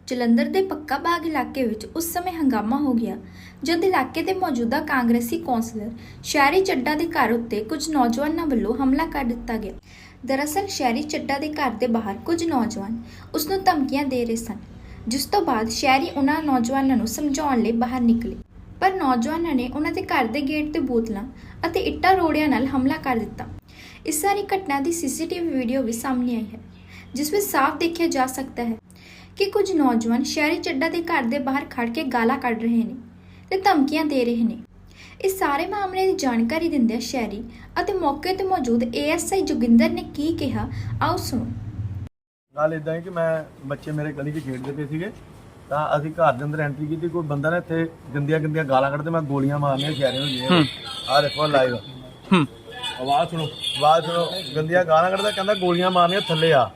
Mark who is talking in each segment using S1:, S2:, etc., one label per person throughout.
S1: ਜਲੰਧਰ ਦੇ ਪੱਕਾ ਬਾਗ ਇਲਾਕੇ ਵਿੱਚ ਉਸ ਸਮੇਂ ਹੰਗਾਮਾ ਹੋ ਗਿਆ ਜਦ ਇਲਾਕੇ ਦੇ ਮੌਜੂਦਾ ਕਾਂਗਰਸੀ ਕੌਂਸਲਰ ਸ਼ਹਿਰੀ ਚੱਡਾ ਦੇ ਘਰ ਉੱਤੇ ਕੁਝ ਨੌਜਵਾਨਾਂ ਵੱਲੋਂ ਹਮਲਾ ਕਰ ਦਿੱਤਾ ਗਿਆ। ਦਰਅਸਲ ਸ਼ਹਿਰੀ ਚੱਡਾ ਦੇ ਘਰ ਦੇ ਬਾਹਰ ਕੁਝ ਨੌਜਵਾਨ ਉਸ ਨੂੰ ਧਮਕੀਆਂ ਦੇ ਰਹੇ ਸਨ, ਜਿਸ ਤੋਂ ਬਾਅਦ ਸ਼ਹਿਰੀ ਉਹਨਾਂ ਨੌਜਵਾਨਾਂ ਨੂੰ ਸਮਝਾਉਣ ਲਈ ਬਾਹਰ ਨਿਕਲੇ, ਪਰ ਨੌਜਵਾਨਾਂ ਨੇ ਉਹਨਾਂ ਦੇ ਘਰ ਦੇ ਗੇਟ ਤੇ ਬੋਤਲਾਂ ਅਤੇ ਇੱਟਾਂ ਰੋੜਿਆਂ ਨਾਲ ਹਮਲਾ ਕਰ ਦਿੱਤਾ। ਇਸ ਸਾਰੀ ਘਟਨਾ ਦੀ ਸੀਸੀਟੀਵੀ ਵੀਡੀਓ ਵੀ ਸਾਹਮਣੇ ਆਈ ਹੈ, ਜਿਸ ਵਿੱਚ ਸਾਫ਼ ਦੇਖਿਆ ਜਾ ਸਕਦਾ ਹੈ ਕਿ ਕੁਝ ਨੌਜਵਾਨ ਸ਼ਹਿਰੀ ਚੱਡਾ ਦੇ ਘਰ ਦੇ ਬਾਹਰ ਖੜ ਕੇ ਗਾਲਾਂ ਕੱਢ ਰਹੇ ਨੇ ਤੇ ਧਮਕੀਆਂ ਦੇ ਰਹੇ ਨੇ। ਇਸ ਸਾਰੇ ਮਾਮਲੇ ਦੀ ਜਾਣਕਾਰੀ ਦਿੰਦਿਆਂ ਸ਼ਹਿਰੀ ਅਤੇ ਮੌਕੇ ਤੇ ਮੌਜੂਦ ਏਐਸਆਈ ਜੋਗਿੰਦਰ ਨੇ ਕੀ ਕਿਹਾ, ਆਓ ਸੁਣੋ।
S2: ਗੱਲ ਇਦਾਂ ਹੈ ਕਿ ਮੈਂ ਬੱਚੇ ਮੇਰੇ ਗਲੀ 'ਚ ਖੇਡਦੇ ਪਏ ਸੀਗੇ ਤਾਂ ਅਸੀਂ ਘਰ ਦੇ ਅੰਦਰ ਐਂਟਰੀ ਕੀਤੀ। ਕੋਈ ਬੰਦਾ ਨੇ ਇੱਥੇ ਗੰਦੀਆਂ ਗਾਲਾਂ ਕੱਢਦੇ, ਮੈਂ ਗੋਲੀਆਂ ਮਾਰਨੀਆਂ ਸ਼ਹਿਰੇ ਨੂੰ ਜੀ। ਆਹ ਦੇਖੋ ਲਾਈਵ ਆਵਾਜ਼ ਸੁਣੋ, ਗੰਦੀਆਂ ਗਾਲਾਂ ਕੱਢਦਾ, ਕਹਿੰਦਾ ਗੋਲੀਆਂ ਮਾਰਨੀਆਂ ਥੱਲੇ ਆ।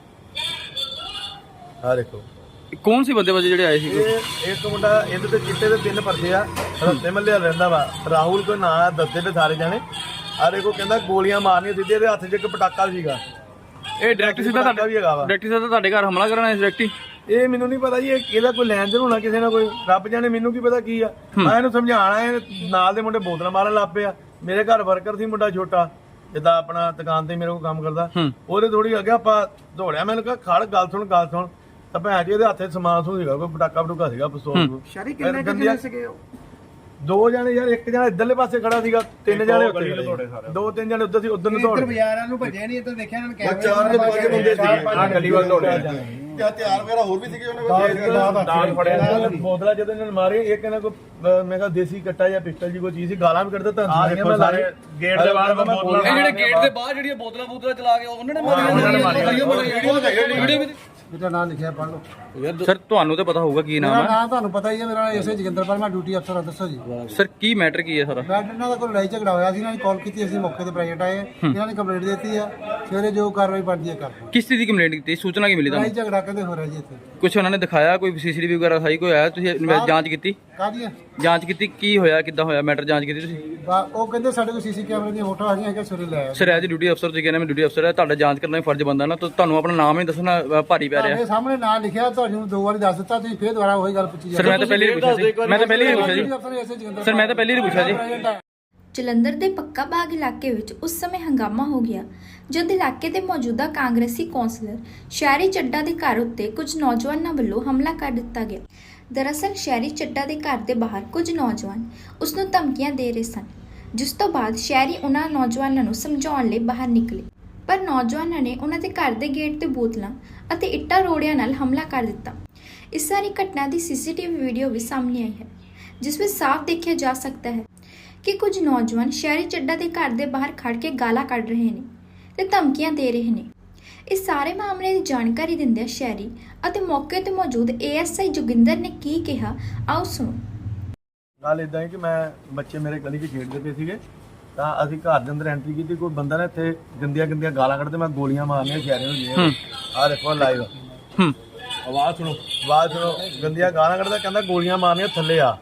S2: ਆਹ ਦੇਖੋ
S3: ਕੌਣ ਸੀ ਬੰਦੇ ਜਿਹੜੇ ਆਏ ਸੀ?
S2: ਇਹ ਇੱਕ ਮੁੰਡਾ, ਇਹਦੇ ਤੇ ਚਿੱਟੇ ਦੇ 3 ਪਰਦੇ ਆ, ਰੱਤੇ ਮੱਲੇ ਰਹਿੰਦਾ ਵਾ, ਰਾਹੁਲ ਕੋਈ ਨਾਂ ਦੱਸਦੇ ਤੇ ਸਾਰੇ ਜਾਣੇ। ਆਹ ਦੇਖੋ ਕਹਿੰਦਾ ਗੋਲੀਆਂ ਮਾਰਨੀਆਂ ਸਿੱਧੇ, ਇਹਦੇ ਹੱਥ 'ਚ ਇੱਕ ਪਟਾਕਾ ਸੀਗਾ।
S3: ਇਹ ਡਾਇਰੈਕਟ ਸਿੱਧਾ ਤੁਹਾਡੇ ਘਰ ਹਮਲਾ ਕਰਨ ਆਇਆ ਸੀ ਡਾਇਰੈਕਟ?
S2: ਇਹ ਮੈਨੂੰ ਨਹੀਂ ਪਤਾ ਜੀ, ਇਹਦਾ ਕੋਈ ਲੈਣ ਦੇਣ ਹੋਣਾ ਕਿਸੇ ਨਾਲ, ਕੋਈ ਰੱਬ ਜਾਣੇ, ਮੈਨੂੰ ਕੀ ਪਤਾ ਕੀ ਆ। ਮੈਂ ਇਹਨੂੰ ਸਮਝਾਣਾ, ਇਹ ਨਾਲ ਦੇ ਮੁੰਡੇ ਬੋਤਲਾਂ ਮਾਰਨ ਲੱਗ ਪਏ ਆ। ਮੇਰੇ ਘਰ ਵਰਕਰ ਸੀ ਮੁੰਡਾ ਛੋਟਾ, ਜਿੱਦਾਂ ਆਪਣਾ ਦੁਕਾਨ ਤੇ ਮੇਰੇ ਕੋਲ ਕੰਮ ਕਰਦਾ, ਉਹਦੇ ਥੋੜੀ ਅੱਗੇ ਆਪਾਂ ਦੌੜਿਆ। ਮੈਨੂੰ ਕਿਹਾ ਖੜ, ਗੱਲ ਸੁਣ ਤਾਂ ਭੈਣ ਜੀ ਇਹਦੇ ਹੱਥੇ ਸਮਾਨ ਸੀਗਾ, ਕੋਈ ਪਟਾਕਾ ਸੀਗਾ, ਪਿਸਤੌਲ।
S4: ਸ਼ਹਿਰੀ ਕਿੰਨੇ ਜਣੇ ਸੀਗੇ ਉਹ?
S2: 2 ਜਣੇ ਯਾਰ, ਇੱਕ ਜਣਾ ਇੱਧਰਲੇ ਪਾਸੇ ਖੜਾ ਸੀਗਾ, 3 ਜਣੇ ਉੱਤੇ, 2-3 ਜਣੇ ਉੱਧਰ ਸੀ, ਉਧਰ ਨੂੰ ਦੌੜ।
S4: ਇੱਧਰ ਬਾਜ਼ਾਰਾਂ ਨੂੰ ਭੱਜੇ ਨਹੀਂ, ਇੱਧਰ ਦੇਖਿਆ ਇਹਨਾਂ ਨੇ ਕੈਮਰੇ
S2: 4 ਤੋਂ 5 ਬੰਦੇ ਸੀਗੇ, ਆ ਗਲੀ ਵੱਲ ਦੌੜਿਆ।
S4: ਤੇ ਹਥਿਆਰ ਵਗੈਰਾ ਹੋਰ ਵੀ ਸੀਗੇ ਉਹਨਾਂ ਕੋਲ?
S2: ਦਾਲ ਫੜਿਆ, ਬੋਤਲਾਂ ਜਦੋਂ ਇਹਨਾਂ ਨੇ ਮਾਰੇ, ਇੱਕ ਇਹਨਾਂ ਕੋ ਮੈਂ ਕਿਹਾ ਦੇਸੀ ਕੱਟਾ ਜਾਂ ਪਿਸਟਲ ਜੀ ਕੋਈ ਚੀਜ਼ ਸੀ, ਗਾਲਾਂ ਵੀ ਕੱਢਦਾ ਤਾਂ ਮੈਂ ਸਾਰੇ ਗੇਟ ਦੇ ਬਾਹਰ ਬੋਤਲਾਂ,
S3: ਇਹ ਜਿਹੜੇ ਗੇਟ ਦੇ ਬਾਹਰ ਜਿਹੜੀਆਂ ਬੋਤਲਾਂ ਚਲਾ ਕੇ ਉਹਨਾਂ ਨੇ ਮਾਰੀਆਂ।
S4: ਮੇਰਾ ਨਾਮ ਲਿਖਿਆ, ਪੜ੍ਹ ਲਓ।
S3: ਸਰ ਤੁਹਾਨੂੰ ਤਾਂ ਪਤਾ ਹੋਊਗਾ ਕੀ ਨਾਮ
S4: ਮੇਰਾ
S3: ਹੈ?
S4: ਨਾਮ ਤੁਹਾਨੂੰ ਪਤਾ ਹੀ ਹੈ, ਮੇਰਾ ਐਸਏ ਜੋਗਿੰਦਰਪਾਲ, ਮੈਂ ਡਿਊਟੀ ਅਫਸਰ ਹਾਂ। ਦੱਸੋ ਜੀ
S3: ਸਰ ਕੀ ਮੈਟਰ ਕੀ ਹੈ ਸਾਰਾ?
S4: ਬੈਡ ਇਹਨਾਂ ਦਾ ਕੋਈ ਲੜਾਈ ਝਗੜਾ ਹੋਇਆ ਸੀ, ਇਹਨਾਂ ਨੇ ਕਾਲ ਕੀਤੀ, ਅਸੀਂ ਮੌਕੇ ਤੇ ਪ੍ਰਾਈਵੇਟ ਆਏ, ਇਹਨਾਂ ਨੇ ਕੰਪਲੇਂਟ ਦਿੱਤੀ ਆ, ਸਵੇਰੇ ਜੋ ਕਾਰਵਾਈ ਬਣਦੀ ਹੈ ਕਰ।
S3: ਕਿਸ ਚੀਜ਼ ਦੀ ਕੰਪਲੇਂਟ ਕੀਤੀ? ਸੂਚਨਾ ਕੀ ਮਿਲੀ
S4: ਲੜਾਈ
S3: ਤੁਹਾਨੂੰ?
S4: ਝਗੜਾ ਕਹਿੰਦੇ ਹੋ ਰਿਹਾ ਜੀ ਇੱਥੇ।
S3: ਕੁਝ ਉਹਨਾਂ ਨੇ ਦਿਖਾਇਆ, ਕੋਈ ਸੀਸੀਟੀਵੀ ਵਗੈਰਾ ਸਾਈ ਕੋਈ ਆਇਆ? ਤੁਸੀਂ ਜਾਂਚ ਕੀਤੀ?
S4: ਕਾਹਦੀ
S3: ਜਾਂਚ ਕੀਤੀ, ਕੀ ਹੋਇਆ, ਕਿੱਦਾਂ ਹੋਇਆ ਮੈਟਰ, ਜਾਂਚ ਕੀਤੀ ਤੁਸੀਂ?
S4: ਉਹ ਕਹਿੰਦੇ ਸਾਡੇ ਕੋਲ ਸੀਸੀ ਕੈਮਰੇ ਦੀਆਂ ਫੋਟੋਆਂ ਹੈਗੀਆਂ ਕਿ ਸਵੇਰੇ ਲੈ ਆਏ।
S3: ਸਰ ਐਜ ਡਿਊਟੀ ਅਫਸਰ ਤੁਸੀਂ ਕਹਿੰਦੇ ਮੈਂ ਡਿਊਟੀ ਅਫਸਰ ਹੈ, ਤੁਹਾਡਾ ਜਾਂਚ ਕਰਨਾ ਹੀ ਫਰਜ਼ ਬਣਦਾ ਨਾ, ਤਾਂ ਤੁਹਾਨੂੰ ਆਪਣਾ ਨਾਮ ਹੀ ਦੱਸਣਾ ਭਾਰੀ ਪੈ ਰਿਹਾ।
S4: ਤੁਹਾਡੇ ਸਾਹਮਣੇ ਨਾਂ ਲਿਖਿਆ, ਤੁਹਾਨੂੰ 2 ਵਾਰੀ ਦੱਸ ਦਿੱਤਾ, ਤੁਸੀਂ ਫੇਰ ਦੁਬਾਰਾ ਉਹੀ ਗੱਲ ਪੁੱਛੀ
S3: ਸਰ ਮੈਂ ਤਾਂ ਪਹਿਲੇ ਹੀ ਪੁੱਛਿਆ ਜੀ, ਸਰ ਮੈਂ ਤਾਂ ਪਹਿਲੇ ਹੀ ਪੁੱਛਿਆ ਜੀ।
S1: ਜਲੰਧਰ ਦੇ ਪੱਕਾ ਬਾਗ ਇਲਾਕੇ ਵਿੱਚ ਉਸ ਸਮੇਂ ਹੰਗਾਮਾ ਹੋ ਗਿਆ ਜਦ ਇਲਾਕੇ ਦੇ ਮੌਜੂਦਾ ਕਾਂਗਰਸੀ ਕੌਂਸਲਰ ਸ਼ਹਿਰੀ ਚੱਡਾ ਦੇ ਘਰ ਉੱਤੇ ਕੁਝ ਨੌਜਵਾਨਾਂ ਵੱਲੋਂ ਹਮਲਾ ਕਰ ਦਿੱਤਾ ਗਿਆ। ਦਰਅਸਲ ਸ਼ਹਿਰੀ ਚੱਡਾ ਦੇ ਘਰ ਦੇ ਬਾਹਰ ਕੁਝ ਨੌਜਵਾਨ ਉਸ ਨੂੰ ਧਮਕੀਆਂ ਦੇ ਰਹੇ ਸਨ, ਜਿਸ ਤੋਂ ਬਾਅਦ ਸ਼ਹਿਰੀ ਉਹਨਾਂ ਨੌਜਵਾਨਾਂ ਨੂੰ ਸਮਝਾਉਣ ਲਈ ਬਾਹਰ ਨਿਕਲੇ, ਪਰ ਨੌਜਵਾਨਾਂ ਨੇ ਉਹਨਾਂ ਦੇ ਘਰ ਦੇ ਗੇਟ ਤੇ ਬੋਤਲਾਂ ਅਤੇ ਇੱਟਾਂ ਰੋੜਿਆਂ ਨਾਲ ਹਮਲਾ ਕਰ ਦਿੱਤਾ। ਇਸ ਸਾਰੀ ਘਟਨਾ ਦੀ ਸੀਸੀਟੀਵੀ ਵੀਡੀਓ ਵੀ ਸਾਹਮਣੇ ਆਈ ਹੈ, ਜਿਸ ਵਿੱਚ ਸਾਫ਼ ਦੇਖਿਆ ਜਾ ਸਕਦਾ ਹੈ ਕਿ ਕੁਝ ਨੌਜਵਾਨ ਸ਼ਹਿਰੀ ਚੱਡਾ ਦੇ ਘਰ ਦੇ ਬਾਹਰ ਖੜ ਕੇ ਗਾਲਾਂ ਕੱਢ ਰਹੇ ਨੇ ਤੇ ਧਮਕੀਆਂ ਦੇ ਰਹੇ ਨੇ। ਇਸ ਸਾਰੇ ਮਾਮਲੇ ਦੀ ਜਾਣਕਾਰੀ ਦਿੰਦਿਆਂ ਸ਼ਹਿਰੀ ਅਤੇ ਮੌਕੇ ਤੇ ਮੌਜੂਦ ਏਐਸਆਈ ਜੋਗਿੰਦਰ ਨੇ ਕੀ ਕਿਹਾ, ਆਓ ਸੁਣੋ।
S2: ਗੱਲ ਇਦਾਂ ਹੈ ਕਿ ਮੈਂ ਬੱਚੇ ਮੇਰੇ ਗਲੀ 'ਚ ਖੇਡਦੇ ਪਏ ਸੀਗੇ ਤਾਂ ਅਸੀਂ ਘਰ ਦੇ ਅੰਦਰ ਐਂਟਰੀ ਕੀਤੀ। ਕੋਈ ਬੰਦਾ ਨੇ ਇੱਥੇ ਗੰਦੀਆਂ ਗਾਲਾਂ ਕੱਢਦੇ, ਮੈਂ ਗੋਲੀਆਂ ਮਾਰਨੀਆਂ ਸ਼ਹਿਰੇ ਨੂੰ ਜੀ। ਆਹ ਦੇਖੋ ਲਾਈਵ ਆਵਾਜ਼ ਸੁਣੋ, ਗੰਦੀਆਂ ਗਾਲਾਂ ਕੱਢਦਾ, ਕਹਿੰਦਾ ਗੋਲੀਆਂ ਮਾਰਨੀਆਂ ਥੱਲੇ ਆ।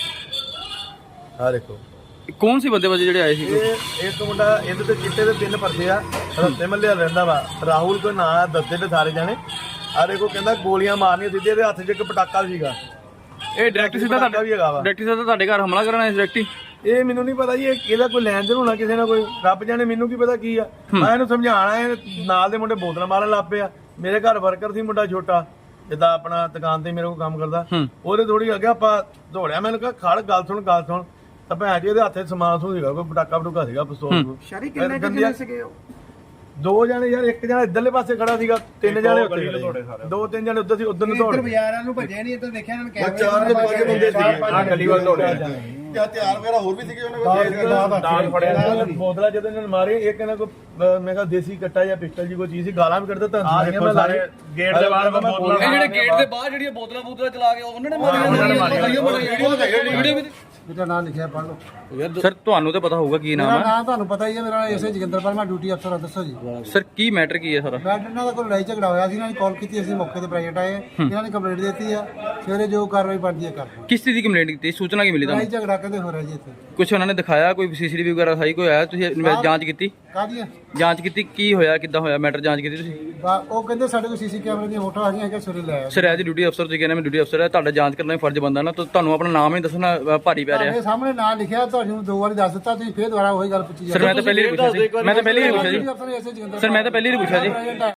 S2: ਆਹ ਦੇਖੋ
S3: ਕੌਣ ਸੀ ਬੰਦੇ ਜਿਹੜੇ ਆਏ ਸੀ?
S2: ਇਹ ਇੱਕ ਮੁੰਡਾ, ਇਹਦੇ ਤੇ ਚਿੱਟੇ ਦੇ 3 ਪਰਦੇ ਆ, ਰੱਤੇ ਮੱਲੇ ਰਹਿੰਦਾ ਵਾ, ਰਾਹੁਲ ਕੋਈ ਨਾਂ ਦੱਸਦੇ ਤੇ ਸਾਰੇ ਜਾਣੇ। ਆਹ ਦੇਖੋ ਕਹਿੰਦਾ ਗੋਲੀਆਂ ਮਾਰਨੀਆਂ ਸਿੱਧੇ, ਇਹਦੇ ਹੱਥ 'ਚ ਇੱਕ ਪਟਾਕਾ ਸੀਗਾ।
S3: ਇਹ ਡਾਇਰੈਕਟ ਸਿੱਧਾ ਤੁਹਾਡੇ ਘਰ ਹਮਲਾ ਕਰਨ ਆਇਆ ਸੀ ਡਾਇਰੈਕਟ?
S2: ਇਹ ਮੈਨੂੰ ਨਹੀਂ ਪਤਾ ਜੀ, ਇਹਦਾ ਕੋਈ ਲੈਣ ਦੇਣ ਹੋਣਾ ਕਿਸੇ ਨਾਲ, ਕੋਈ ਰੱਬ ਜਾਣੇ, ਮੈਨੂੰ ਕੀ ਪਤਾ ਕੀ ਆ। ਮੈਂ ਇਹਨੂੰ ਸਮਝਾਣਾ, ਇਹ ਨਾਲ ਦੇ ਮੁੰਡੇ ਬੋਤਲਾਂ ਮਾਰਨ ਲੱਗ ਪਏ ਆ। ਮੇਰੇ ਘਰ ਵਰਕਰ ਸੀ ਮੁੰਡਾ ਛੋਟਾ, ਜਿੱਦਾਂ ਆਪਣਾ ਦੁਕਾਨ ਤੇ ਮੇਰੇ ਕੋਲ ਕੰਮ ਕਰਦਾ, ਉਹਦੇ ਥੋੜੀ ਅੱਗੇ ਆਪਾਂ ਦੌੜਿਆ। ਮੈਨੂੰ ਕਿਹਾ ਖੜ, ਗੱਲ ਸੁਣ ਤਾਂ ਭੈਣ ਜੀ ਇਹਦੇ ਹੱਥੇ ਸਮਾਨ ਸੀਗਾ, ਕੋਈ ਪਟਾਕਾ ਸੀਗਾ, ਪਿਸਤੌਲ।
S4: ਸ਼ਹਿਰੀ ਕਿੰਨੇ ਜਣੇ ਸੀਗੇ ਉਹ?
S2: 2 ਜਣੇ ਯਾਰ, ਇੱਕ ਜਣਾ ਇੱਧਰਲੇ ਪਾਸੇ ਖੜਾ ਸੀਗਾ, 3 ਜਣੇ ਉੱਤੇ, 2-3 ਜਣੇ ਉੱਧਰ ਸੀ, ਉਧਰ ਨੂੰ ਦੌੜ।
S4: ਇੱਧਰ ਬਾਜ਼ਾਰਾਂ ਨੂੰ ਭੱਜੇ ਨਹੀਂ, ਇੱਧਰ ਦੇਖਿਆ ਇਹਨਾਂ ਨੇ ਕੈਮਰੇ
S2: 4 ਤੋਂ 5 ਬੰਦੇ ਸੀਗੇ, ਆ ਗਲੀ ਵੱਲ ਦੌੜਿਆ।
S4: ਤੇ ਹਥਿਆਰ ਵਗੈਰਾ ਹੋਰ ਵੀ ਸੀਗੇ ਉਹਨਾਂ ਕੋਲ?
S2: ਦਾਲ ਫੜਿਆ, ਬੋਤਲਾਂ ਜਦੋਂ ਇਹਨਾਂ ਨੇ ਮਾਰੇ, ਇੱਕ ਇਹਨਾਂ ਕੋ ਮੈਂ ਕਿਹਾ ਦੇਸੀ ਕੱਟਾ ਜਾਂ ਪਿਸਟਲ ਜੀ ਕੋਈ ਚੀਜ਼ ਸੀ, ਗਾਲਾਂ ਵੀ ਕੱਢਦਾ ਤਾਂ ਸਾਰੇ ਗੇਟ ਦੇ ਬਾਹਰ ਬੋਤਲਾਂ।
S3: ਇਹ ਜਿਹੜੇ ਗੇਟ ਦੇ ਬਾਹਰ ਜਿਹੜੀਆਂ ਬੋਤਲਾਂ ਚਲਾ ਕੇ ਉਹਨਾਂ ਨੇ ਮਾਰੀਆਂ।
S4: ਮੇਰਾ ਨਾਮ ਲਿਖਿਆ, ਪੜ੍ਹ ਲਓ।
S3: ਸਰ ਤੁਹਾਨੂੰ ਤਾਂ ਪਤਾ ਹੋਊਗਾ ਕੀ
S4: ਮੇਰਾ
S3: ਨਾਮ ਹੈ
S4: ਨਾਮ ਤੁਹਾਨੂੰ ਪਤਾ ਹੀ ਹੈ, ਮੇਰਾ ਐਸਏ ਜੋਗਿੰਦਰਪਾਲ, ਮੈਂ ਡਿਊਟੀ ਅਫਸਰ ਹਾਂ। ਦੱਸੋ ਜੀ।
S3: ਸਰ ਕੀ ਮੈਟਰ ਕੀ ਹੈ ਸਾਰਾ?
S4: ਬੈਡ ਇਹਨਾਂ ਦਾ ਕੋਈ ਲੜਾਈ ਝਗੜਾ ਹੋਇਆ ਸੀ, ਇਹਨਾਂ ਨੇ ਕਾਲ ਕੀਤੀ, ਅਸੀਂ ਮੌਕੇ ਤੇ ਪ੍ਰਾਈਵੇਟ ਆਏ, ਇਹਨਾਂ ਨੇ ਕੰਪਲੇਂਟ ਦਿੱਤੀ ਆ, ਸਵੇਰੇ ਜੋ ਕਾਰਵਾਈ ਬਣਦੀ ਹੈ ਕਰਦੇ।
S3: ਕਿਸ ਚੀਜ਼ ਦੀ ਕੰਪਲੇਂਟ ਕੀਤੀ? ਸੂਚਨਾ ਕੀ ਮਿਲੀ
S4: ਲੜਾਈ
S3: ਤੁਹਾਨੂੰ?
S4: ਝਗੜਾ ਕਹਿੰਦੇ ਹੋ ਰਿਹਾ ਜੀ ਇੱਥੇ।
S3: ਕੁਝ ਉਹਨਾਂ ਨੇ ਦਿਖਾਇਆ, ਕੋਈ ਸੀਸੀਟੀਵੀ ਵਗੈਰਾ ਦਿਖਾਈ, ਕੋਈ ਆਇਆ? ਤੁਸੀਂ ਜਾਂਚ ਕੀਤੀ?
S4: ਕਾਹਦੀ ਹੈ?
S3: ਜਾਂਚ ਕੀਤੀ ਕੀ ਹੋਇਆ, ਕਿੱਦਾਂ ਹੋਇਆ ਮੈਟਰ? ਜਾਂਚ ਕੀਤੀ ਤੁਸੀਂ?
S4: ਉਹ ਕਹਿੰਦੇ ਸਾਡੇ ਕੋਲ ਸੀਸੀ ਕੈਮਰੇ ਦੀਆਂ ਫੋਟੋ ਆ ਗਈਆਂ ਕਿ ਸਵੇਰੇ ਲੈ ਆਇਆ।
S3: ਸਰ ਐਜ ਡਿਊਟੀ ਅਫਸਰ ਤੁਸੀਂ ਕਹਿੰਦੇ ਮੈਂ ਡਿਊਟੀ ਅਫਸਰ ਹੈ, ਤੁਹਾਡਾ ਜਾਂਚ ਕਰਨਾ ਵੀ ਫਰਜ਼ ਬੰਦਾ ਨਾ, ਤਾਂ ਤੁਹਾਨੂੰ ਆਪਣਾ ਨਾਮ ਹੀ ਦੱਸਣਾ ਭਾਰੀ ਪੈ ਰਿਹਾ।
S4: ਤੁਹਾਡੇ ਸਾਹਮਣੇ ਨਾਂ ਲਿਖਿਆ, ਤੁਹਾਨੂੰ 2 ਵਾਰੀ ਦੱਸ ਦਿੱਤਾ, ਤੁਸੀਂ ਫੇਰ ਦੁਬਾਰਾ ਉਹੀ ਗੱਲ ਪੁੱਛੀ
S3: ਸਰ ਮੈਂ ਤਾਂ ਪਹਿਲੀ ਵਾਰ ਪੁੱਛਿਆ ਸੀ,
S4: ਜਾਂਦੇ।
S3: ਮੈਂ ਤਾਂ ਪਹਿਲੀ ਵਾਰ ਪੁੱਛਿਆ ਜੀ
S4: ਅਫਸਰ ਐਸਏ ਜੋਗਿੰਦਰਪਾਲ
S3: ਸਰ, ਮੈਂ ਤਾਂ ਪਹਿਲੀ ਵਾਰ ਪੁੱਛਿਆ ਜੀ।